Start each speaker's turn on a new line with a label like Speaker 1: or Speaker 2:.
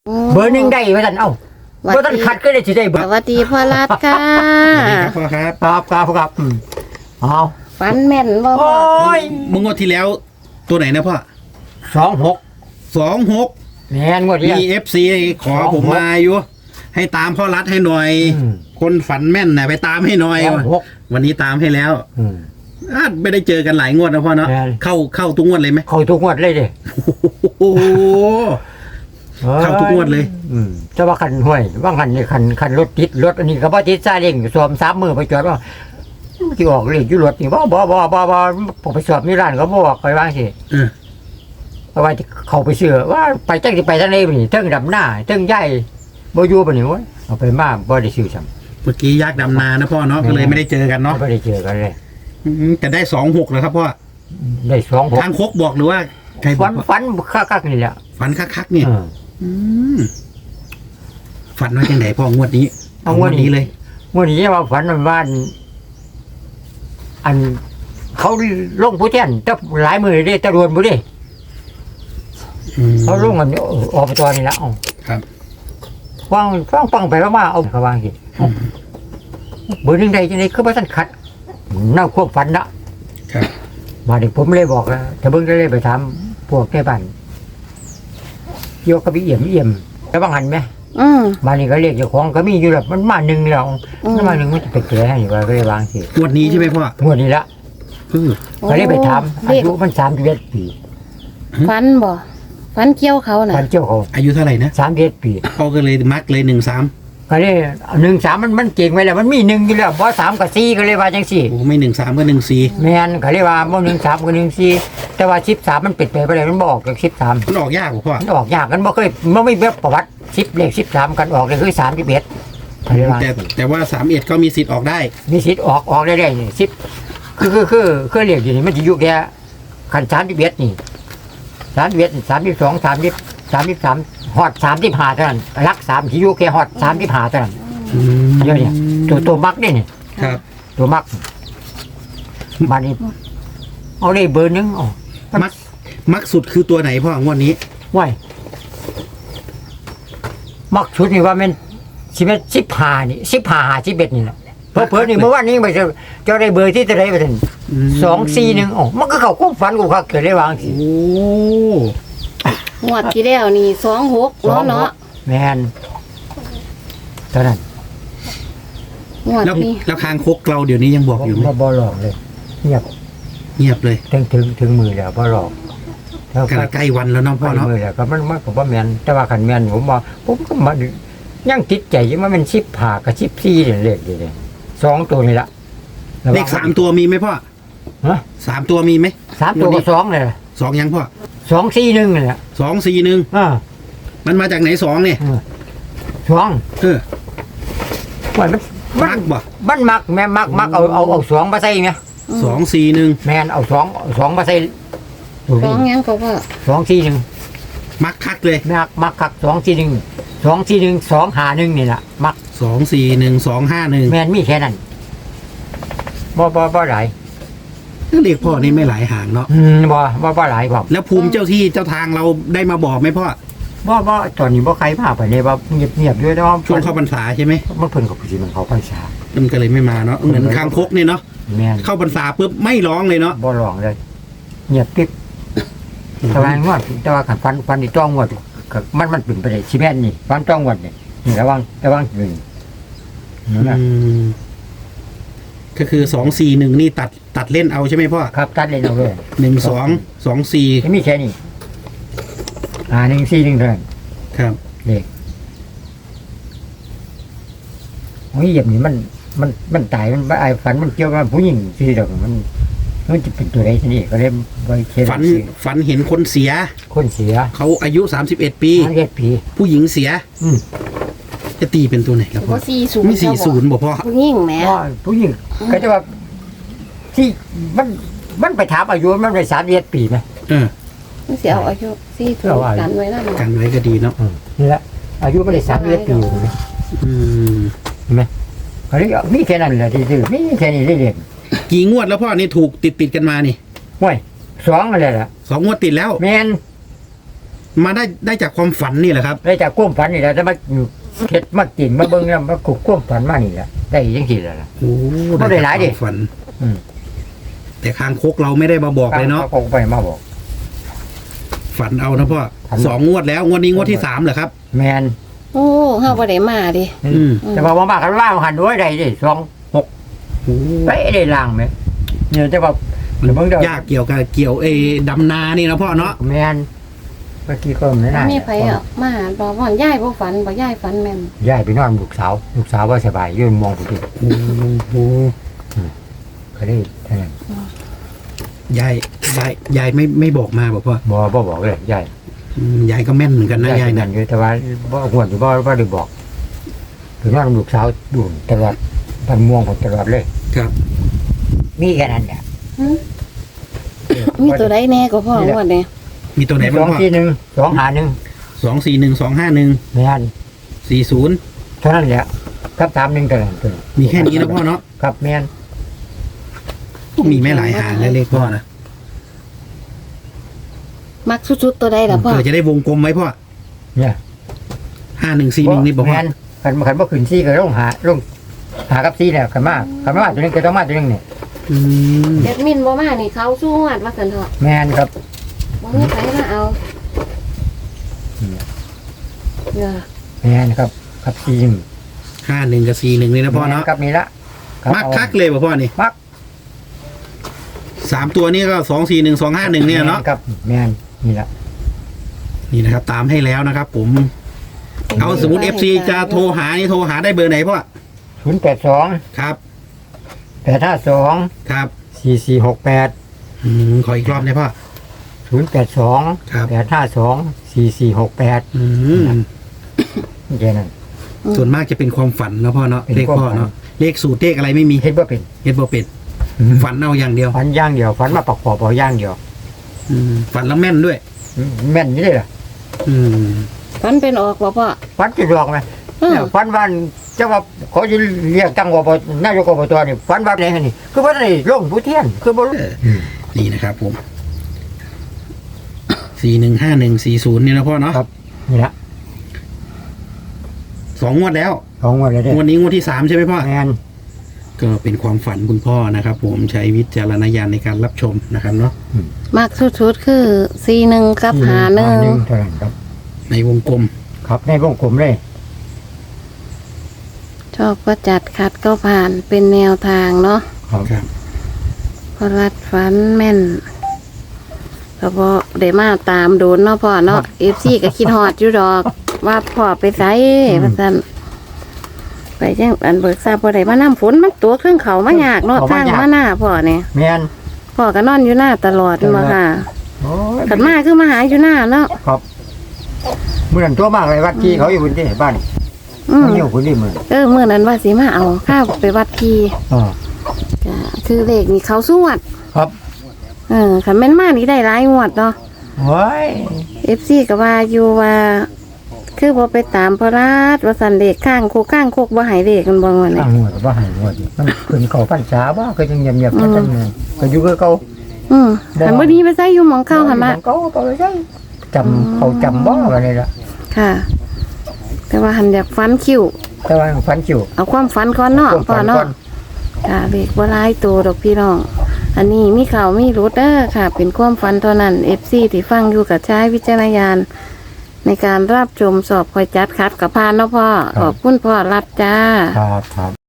Speaker 1: เบอร์หนึ่งได้ไว้ท่านเอ้าเบอร์ท่านขัดก็ได้สิได้เบอ
Speaker 2: ส
Speaker 1: ร์
Speaker 2: วัสดีพ่อรัดค่ะ
Speaker 3: ครับพ่อครับ
Speaker 1: ครับเอา
Speaker 2: ฝันแม่นบ่
Speaker 1: โอ้
Speaker 2: พ่อย
Speaker 3: มึงงวดที่แล้วตัวไหนนะพ่อ
Speaker 1: 26
Speaker 3: 26
Speaker 1: แม่นงวด
Speaker 3: มี
Speaker 1: นี้
Speaker 3: FC ขอผมมาอยู่ให้ตามพ่อรัดให้หน่อย
Speaker 1: อืม
Speaker 3: คนฝันแม่นนะไปตามให้หน่อย
Speaker 1: 26
Speaker 3: วันนี้ตามให้แล้ว
Speaker 1: อืม
Speaker 3: ไม่ได้เจอกันหลายงวดนะพ่อเนาะ
Speaker 1: ใช่
Speaker 3: เข้าทุกงวดเลยไหม
Speaker 1: เข้าทุกงวดเลยเด้
Speaker 3: โอ้โห เข้าทุกงวดเลย
Speaker 1: แต่ว่าคันห้วยว่าคันนี่คันรถติดรถอันนี้ก็บ่ติดซาเล้งสวม3มื้อไปจอดว่าสิออกเลขอยู่รถนี่บ่ผมไปสอบมีร้านก็บ่บอกไปว่าสิ
Speaker 3: เออ
Speaker 1: เพราะว่าเขาไปเชื่อว่าไปจังสิไปทางไหนบ่นี่เทิงดำหน้าเทิงใหญ่บ่อยู่บ่นี่โว้ยเอาไปมาบ่ได้ซื้อซ้ำ
Speaker 3: เมื่อกี้ยากดำนานะพ่อเนาะก็เลยไม่ได้เจอกันเนาะ
Speaker 1: บ่ได้เจอกันเลย
Speaker 3: แต่ได้26เลยครับพ่อ
Speaker 1: ได้2
Speaker 3: ทางคกบอกหรือว่าใครบ
Speaker 1: ฝั
Speaker 3: อก
Speaker 1: น
Speaker 3: ว่า
Speaker 1: ฝันคักๆนี่แหละ
Speaker 3: ฝันคักๆเนี่ย
Speaker 1: เออ
Speaker 3: มฝันว่าจังไหนพ่องวดนี้
Speaker 1: เอางวดนี้
Speaker 3: เลย
Speaker 1: มื้อนี้ว่าฝันว่าอันเขาลงผู้แทนแต่หลายมื้อเด้แต่รวนบ่เด้ เขาลงกันอบจนี่ละ
Speaker 3: ครับ
Speaker 1: ฟังไปมาเอาเขาวางสิเบอร์หนึ่งใดจังได๋คือบ่ทันขัดน่าควบฝันนะครับ มาดิผมเลยบอกแล้วถ้าเบิ่งได้เลยไปถามพวกแก่บ้านโยกกับเอี่ยมแล้วบางหันไหม มานี่ก็เรียกเจ้าของก็มีอยู่แล้วมันมาหนึ่งแล้วมันมาหนึ่งมันจะไปแก่ให้ว่าก็เลยวางสิ
Speaker 3: งวดนี้ใช่ไหมพ่อง
Speaker 1: วดนี้ละ
Speaker 3: เออ
Speaker 1: ก็เลยไปถามอายุมัน31 ปี
Speaker 2: ฝันบ่ฝันเกี่ยวเขาน่ะ
Speaker 1: พันเจ้าเขา
Speaker 3: อายุเท่าไหร่นะ
Speaker 1: 31 ปี
Speaker 3: พ่อก็เลยมักเลย13
Speaker 1: ก็เลย13มันเก่งไว้แล้วมันมีหนึ่งอยู่แล้วบ่3กับ4ก็เลยว่าจังซี่
Speaker 3: โอ้ไม่13ก็14
Speaker 1: แม่นก็เลยว่าบ่13กับ14แต่ว่า13มันปิดไปบ่ได้มันบ่ออกจาก13
Speaker 3: มันออกยากกว่าพ่อ
Speaker 1: มันออกยากกันบ่เคยบ่มีแบบประวัติ10เลข13กันออกเลยคือ31ก็เลยว่า
Speaker 3: แต่ว่า31ก็มีสิทธิ์ออกได้
Speaker 1: มีสิทธิ์ออกได้นี่10คือเลขอยู่นี่มันสิอยู่แค่คัน31นี่31 32 30 33ฮอด35เท่านั้นหลัก3สิอยู่แค่ฮอด35เท่านั้นเดี๋ยวนี้ตัวมักนี่นี่
Speaker 3: ครับ
Speaker 1: ตัวมักบัดนี้เอาเลยเบอร์หนึงอ๋อ
Speaker 3: มักสุดคือตัวไหนพ่องวดนี้
Speaker 1: ว้ายมักชุดนี่ว่ามัน15นี่15 51นี่แหละเพิ่นนี่เมื่อวานนี้ไปเจ้าได้เบอร์ที่เท่าไหร่บ่ทัน241อ๋อมันก็เข้าความฝันกูคักเกิดได้วางสิ
Speaker 3: โอ้
Speaker 2: งวดที่แล้วนี่26เนาะ
Speaker 1: แม่นเท่านั้น
Speaker 2: งวด
Speaker 3: แล้ว
Speaker 2: นี้
Speaker 3: แล้วคางคกเราเดี๋ยวนี้ยังบอกอยู่ไหม
Speaker 1: บ่หลอกเลยเงียบ
Speaker 3: เงียบเลย
Speaker 1: ถึงมือแล้วบ่หลอกแล้ว
Speaker 3: กำลังใกล้วันแล้วเน้องพ่อเนาะ
Speaker 1: มือแล้วก็มันก็บ่แม่นแต่ว่าคันแม่นผมว่าผมก็มันยังติดใจอยู่ว่ามัน15กับ14นี่เลขนี่2ตัวนี่ล่ะ
Speaker 3: เลข3ตัวมีไหมพ่อ
Speaker 1: ฮะ
Speaker 3: 3ตัวมีไหม
Speaker 1: 3ตัวก็2เลย
Speaker 3: 2ยังพ่อ
Speaker 1: 241นี่แหละ
Speaker 3: 241
Speaker 1: อ่า
Speaker 3: มันมาจากไหน2เนี่ย
Speaker 1: 2
Speaker 3: เออ
Speaker 1: ว่ามัน
Speaker 3: มักบ่
Speaker 1: มันมักแม่มักเอา2มาใส่ไง
Speaker 3: 241
Speaker 1: แม่นเอา2มาใส่ตัว
Speaker 2: ฟ้
Speaker 1: นี้
Speaker 2: องหยังก็ว่า
Speaker 1: 241
Speaker 3: มักคักเลย
Speaker 1: มักคัก241 251นี่ล่ะมัก
Speaker 3: 241 251
Speaker 1: แม่นมีแค่นั้นบ่หลาย
Speaker 3: เลขพ่อนี่ไม่หลายหางเนาะ
Speaker 1: บ่หลายพร้อม
Speaker 3: แล้วภูมิเจ้าที่เจ้าทางเราได้มาบอกไหมพ่อ
Speaker 1: บ่ตอนนี้บ่ใครมาไปเลยว่าเงียบๆด้วยแต่ว่า
Speaker 3: ช่วงเข้าพรรษาใช่ไหม
Speaker 1: มันเพิ่นก็สิมันเขาพรรษา
Speaker 3: มันก็เลยไม่มาเนาะเหมือนคางคกเนี่ยเนาะ
Speaker 1: แม่น
Speaker 3: เข้าพรรษาปุ๊บไม่ร้องเลยเนาะ
Speaker 1: บ่ร้องเลยเงียบปิ๊บแต่ว่างวดแต่ว่าคันฟันนี่ต้องงวดก็มันเป็นไปได้สิแม่นนี่ฟันต้องงวดนี่ระวังนี่นั่นน่ะ
Speaker 3: ก็คือ241นี่ตัดเล่นเอาใช่ไหมพ่อ
Speaker 1: ครับตัดเลยเอาเลย
Speaker 3: 12
Speaker 1: มีแค่นี้141เท่านั้น
Speaker 3: 24ครับ
Speaker 1: เลขโอ้ยเหยียบนี่มันตายมันไอ้ฝันมันเกี่ยวกับผู้หญิงสิดอกมันจะเป็นตัวใดทีนี้ก็เลยบ่เขียน
Speaker 3: ฝันเห็นคนเสีย
Speaker 1: คนเสีย
Speaker 3: เขาอายุ31 ปี
Speaker 1: 31 ปี
Speaker 3: ผู้หญิงเสีย
Speaker 1: อืม
Speaker 3: จะตีเป็นตัวไหนครับพ่อ
Speaker 2: บ่40
Speaker 3: ไม่40บอกพ่อ
Speaker 2: ผู้หญิงแหม
Speaker 1: ว่าผู้หญิงก็จะว่าที่มันไปถามอายุมันไป31 ปีไหม
Speaker 3: เออ
Speaker 2: มันสิเอาอายุ40กันไว้นำ
Speaker 3: กันไว้ก็ดีเนาะ
Speaker 1: นี่แหละอายุมันได้31 ปีเห็นไหม
Speaker 3: อืม
Speaker 1: เขาเรียกมีแค่นั้นแหละที่ซื้อมีแค่นี้ได้เรียน
Speaker 3: กี่งวดแล้วพ่อนี่ถูกติดกันมานี่
Speaker 1: ห้วย2อะไรล่ะ
Speaker 3: 2 งวดติดแล้ว
Speaker 1: แม่น
Speaker 3: มาได้จากความฝันนี่แหละครับ
Speaker 1: ได้จากความฝันนี่แหละจะมาอยู่เข็ดมากินมาเบิ่งแล้วมาขุดความฝันมานี่แหละได้จังซี่แหละล่ะ
Speaker 3: โอ้
Speaker 1: บ่ได้หลายดิ
Speaker 3: จกควมฝัน
Speaker 1: อืม
Speaker 3: แต่คางคกเราไม่ได้มาบอกเลยเนาะ
Speaker 1: เขาคงไปมาบอก
Speaker 3: ฝันเอานะพ่อ
Speaker 1: ฝัน
Speaker 3: 2 งวดแล้วงวดนี้งวดที่ 3เหรอครับ
Speaker 1: แมน
Speaker 2: โอ้เฮาบ่ได้มาดิ
Speaker 3: อืม
Speaker 1: แต่ว่าบ่มากันว่าหันด้วยได้ดิ2 6
Speaker 3: โอ้
Speaker 1: ไปได้ล่างไหมเนี่ยแต่ว่าเดี๋ยวเบิ่งเด้อย
Speaker 3: ากเกี่ยวกับเกี่ยวดำนานี่นะพ่อเนาะ
Speaker 1: แมนเมื่อกี้ก็ไม่น่า
Speaker 2: มีไผอ่ะมาบอกว่ายายบ่ฝันบ่ยายฝันแม่น
Speaker 1: ย้ายไปนอนลูกสาวว่าสบายยืนมองผู้ที่
Speaker 3: โอ้โห
Speaker 1: ก็ได้เท่านั้น
Speaker 3: ยายไม่บอกมาบอกพ่อ
Speaker 1: บ่บอกเลยย้าย
Speaker 3: ยายก็แม่นเหมือนกันนะยาย
Speaker 1: นั่
Speaker 3: นะ
Speaker 1: นอยู่แต่ว่าบ่หวนอยู่บ่ได้บอกถึงนอนลูกสาวดูตลอดพันม่วงผมตลอดเลย
Speaker 3: ครับ
Speaker 1: มีแค่นั้นแหละ
Speaker 2: มีตัวใดแน่ก็พ่อว่าเนี่ย
Speaker 3: มีตัวไหน
Speaker 1: ส
Speaker 3: บ้า
Speaker 1: อง ง
Speaker 3: พ่อ
Speaker 1: ที่หนึ่งสองหาหนึ่ง
Speaker 3: 241 251
Speaker 1: แม่น
Speaker 3: 40
Speaker 1: เท่านั้นแหละครับ3 1เท่านั้น
Speaker 3: มีแค่นี้นะพ่อเนาะ
Speaker 1: ครับแม่น
Speaker 3: มีไม่หลายหางเลยเลขพ่อนะ
Speaker 2: มักสุดๆตัวใดล่ะพ่อ
Speaker 3: เผื่อจะได้วงกลมไว้พ่อ
Speaker 1: เนี่ย
Speaker 3: 5141นี่บอกว่า
Speaker 1: แม่นคันบ่ขึ้นซี่ก็ลงหากับซี่แล้วคันมาตัวนึงก็ต้องมาตัวนึงนี่
Speaker 3: อืม
Speaker 2: แอดมินบ่มานี่เขาสู้วัดว่าซั่นเถอะ
Speaker 1: แม่นครับ
Speaker 2: บ่มีไผมาเอาเด้อ
Speaker 1: แม่นครับซี่หนึ่ง
Speaker 3: 51กับ41นี่นะพ่อเนาะ
Speaker 1: แม่ครับนี่ละรับ
Speaker 3: มัก
Speaker 1: เอา
Speaker 3: คักเลยป่ะพ่อนี่
Speaker 1: มัก
Speaker 3: 3 ตัวนี้ก็241 251เนี่ยเนาะ
Speaker 1: แม่ครับแม่นนี่ละ
Speaker 3: นี่นะครับ ตามให้แล้วนะครับ ผม เอาสมมติ FC จะโทรหานี่โทรหาได้เบอร์ไหนพ่อ
Speaker 1: 082
Speaker 3: ครับ
Speaker 1: 852
Speaker 3: ครับ
Speaker 1: 4468
Speaker 3: ขออีกรอบนะพ่อ
Speaker 1: 082
Speaker 3: ครับ
Speaker 1: 852 4468 แค่นั้น
Speaker 3: ส่วนมากจะเป็นความฝันนะพ่อเนาะ
Speaker 1: เป็น
Speaker 3: เลข
Speaker 1: ความ
Speaker 3: พ่อ
Speaker 1: ฝัน
Speaker 3: เนาะเลขสูตรเลขอะไรไม่มี
Speaker 1: เฮ็ดบ่เป็น
Speaker 3: เฮ็ดบ่เป็นฝันเอาอย่างเดียว
Speaker 1: ฝันอย่างเดียวฝันมาประกอบเอาอย่างเดียว
Speaker 3: ฝันแล้วแม่นด้วย
Speaker 1: แม่นนี่เลยล่ะ
Speaker 3: อืม
Speaker 2: ฝันเป็นออกบ่พ่อ
Speaker 1: ฝันจะดอกไหม
Speaker 2: อืม
Speaker 1: เนี่ยฝันว่าเจ้าว่าเขาจะเรียกตั้งอบตนายกอบตนี่ฝันว่าอะไรนี่คือว่าได้ลงผู้เทียนคือบ่รู้
Speaker 3: นี่นะครับผม415140นี่นะพ่อเนาะ
Speaker 1: ครับนี่ละ
Speaker 3: 2 งวดแล้ว
Speaker 1: ของว่าอะไรเด้
Speaker 3: งวดนี้งวดที่ 3ใช่ไหมพ่อ
Speaker 1: แม่น
Speaker 3: ก็เป็นความฝันคุณพ่อนะครับ ผมใช้วิจารณญาณในการรับชมนะครับเนาะ
Speaker 2: มักสุดๆคือ41กับ
Speaker 1: หาหนึ่ง
Speaker 2: 51
Speaker 1: เท่านั้นครับ
Speaker 3: ในวงกลม
Speaker 1: ครับในวงกลมเลย
Speaker 2: ชอบก็จัดขัดก็ผ่านเป็นแนวทางเนาะ
Speaker 1: ครับ
Speaker 3: ครับ
Speaker 2: พอรัดฝันแม่นก็บ่ได้มาตามโดนเนาะพ่อเนาะ FC ก็คิดฮอดอยู่ดอก ว่าพ่อไปไสว่าซั่นไปจังอันเบิกทราบบ่ได้มาน้ำฝนมันตัวเครื่องเขามายากเนาะทางมาหน้าพ่อเนี่ย
Speaker 1: แม่น
Speaker 2: พ่อก็นอนอยู่หน้าตลอดมาค่ะ
Speaker 1: โอ้ย
Speaker 2: ขันมาคือมาหาอยู่หน้าเนาะ
Speaker 1: ครับมื้อนั้นตัวมากเลยวัดที่เขาอยู่บนที่บ้าน
Speaker 2: อืม
Speaker 1: เขาอยู่คนนี้มื้อ
Speaker 2: เมื่อนั้นว่าสิมาเอาข้าวไปวัดที
Speaker 1: อ๋อ
Speaker 2: จ้ะคือเลขนี่เขาสวด
Speaker 1: ครับ
Speaker 2: ขันแม่นมานี่ได้หลายงวดเนาะ
Speaker 1: โอ้ย
Speaker 2: FC ก็ว่าอยู่ว่า คือบ่ไปตามพระราชว่าสันเลขข้างโคบ่ให้เลขกันบ่ว่า
Speaker 1: ตั้
Speaker 2: นี่
Speaker 1: งหัวบ่ให้หัวดิมันขึ้นเข้าพรรษาบ่ก็ยังเงียบๆกันจังนั้นก็อยู่คือเก่า
Speaker 2: หันบ่ดีไปใส่อยู่หมองเข้าหันมา
Speaker 1: เก่าไปใช่จำเขาจำบ่ว่านี่ล่ะ
Speaker 2: ค่ะ แต่ว่าหันอยากฟันคิ้ว
Speaker 1: แต่ว่าฝันจิ๋ว
Speaker 2: เอาความฝันก่อนเนาะ
Speaker 1: ความ
Speaker 2: พ่อ
Speaker 1: ฝัน
Speaker 2: เนาะ
Speaker 1: ก่อน
Speaker 2: ค่ะเลขบ่หลายตัวดอกพี่น้อง อันนี้มีข่าวมีรุดเด้อค่ะ เป็นความฝันเท่านั้น FC ที่ฟังอยู่กับใช้วิจารณญาณในการรับชมสอบคอยจัดคัดกับพานเนาะพ่อ ขอบคุณพ่อรัดจ้า
Speaker 1: ครับครับ